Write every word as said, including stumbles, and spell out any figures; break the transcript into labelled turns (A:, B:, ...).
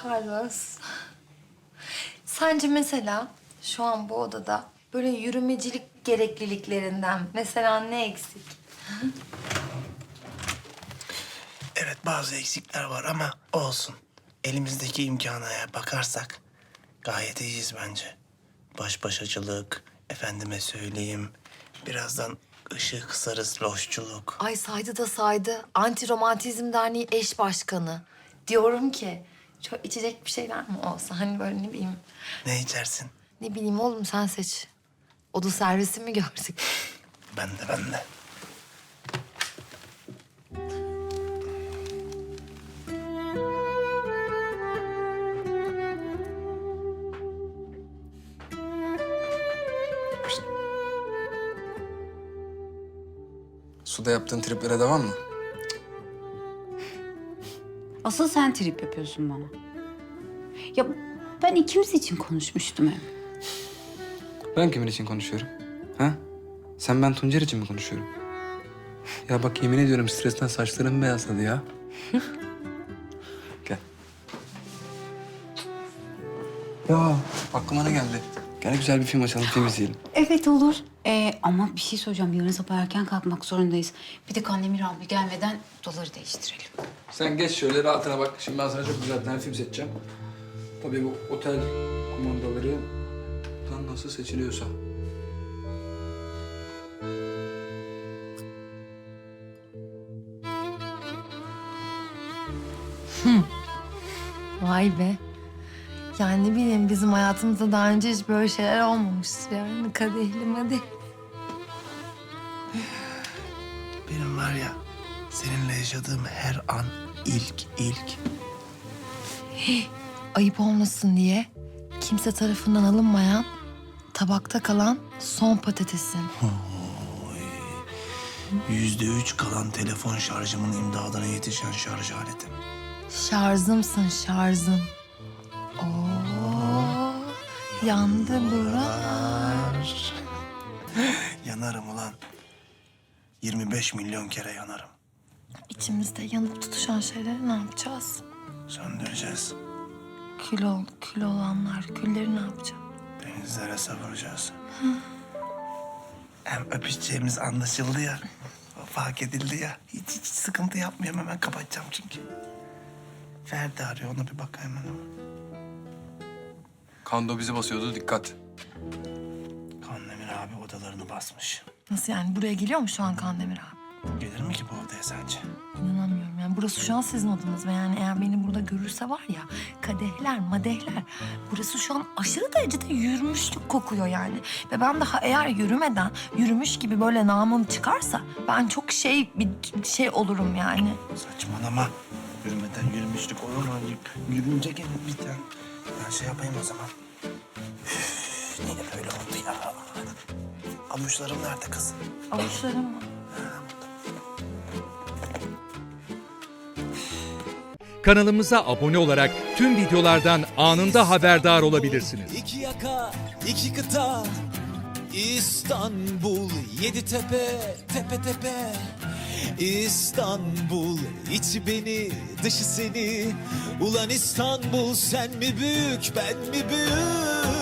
A: Carlos. Sence mesela şu an bu odada böyle yürümecilik gerekliliklerinden mesela ne eksik?
B: Evet, bazı eksikler var ama olsun. Elimizdeki imkana bakarsak gayet iyiyiz bence. Baş başacılık, efendime söyleyeyim. Birazdan ışığı kısarız, loşçuluk.
A: Ay saydı da saydı. Anti Romantizm Derneği eş başkanı. Diyorum ki çok içecek bir şeyler mi olsa hani böyle ne bileyim.
B: Ne içersin?
A: Ne bileyim oğlum sen seç. Oda servisi mi gördük?
B: Ben de, ben de.
C: Suda yaptığın triplere devam mı?
D: Asıl sen trip yapıyorsun bana. Ya ben ikimiz için konuşmuştum hep.
C: Ben kimin için konuşuyorum? Ha? Sen ben Tuncer için mi konuşuyorum? Ya bak yemin ediyorum stresten saçlarım beyazladı ya. Gel. Ya aklıma ne geldi? Gel güzel bir film açalım, film izleyelim.
D: Evet olur. Ee, ama bir şey soracağım. Yarın sabah erken kalkmak zorundayız. Bir de Kandemir abi gelmeden odaları değiştirelim.
C: Sen geç şöyle rahatına bak. Şimdi ben sana çok güzel bir tane film seçeceğim. Tabii bu otel kumandaları tam nasıl seçiliyorsa.
A: Vay be. Yani ne bileyim bizim hayatımızda daha önce hiç böyle şeyler olmamıştır yani. Kadehli madehli.
B: Benim var ya, seninle yaşadığım her an ilk, ilk.
A: Ayıp olmasın diye kimse tarafından alınmayan, tabakta kalan son patatesin.
B: Yüzde üç kalan telefon şarjımın imdadına yetişen şarj aletim.
A: Şarjımsın şarjım. Oo, yandı buralar.
B: Yanarım ulan. yirmi beş milyon kere yanarım.
A: İçimizde yanıp tutuşan şeyleri ne yapacağız?
B: Söndüreceğiz.
A: Kül ol, kül olanlar, külleri ne yapacağız?
B: Denizlere savuracağız. Hem öpüşeceğimiz anlaşıldı ya. Fark edildi ya. Hiç, hiç sıkıntı yapmıyorum. Hemen kapatacağım çünkü. Ferdi arıyor. Ona bir bak hemen.
C: Kando bizi basıyordu, dikkat.
B: Kandemir abi odalarını basmış.
A: Nasıl yani? Buraya geliyor mu şu an Kandemir abi?
B: Gelir mi ki bu odaya sence?
A: İnanamıyorum yani. Burası şu an sizin odanız ve yani eğer beni burada görürse var ya kadehler, madehler. Burası şu an aşırı derecede yürümüşlük kokuyor yani. Ve ben daha eğer yürümeden yürümüş gibi böyle namım çıkarsa ben çok şey bir şey olurum yani.
B: Saçmalama. Yürümeden yürümüşlük olur mu? Yürünce gelir bir tane. Ben şey yapayım o zaman. Üf, niye böyle oldu ya? Avuçlarım nerede kız?
A: Avuçlarım mı?
E: Kanalımıza abone olarak tüm videolardan anında haberdar olabilirsiniz.
F: İki yaka, iki kıta, İstanbul, yedi tepe, tepe tepe. İstanbul, içi beni, dışı seni. Ulan İstanbul, sen mi büyük, ben mi büyük?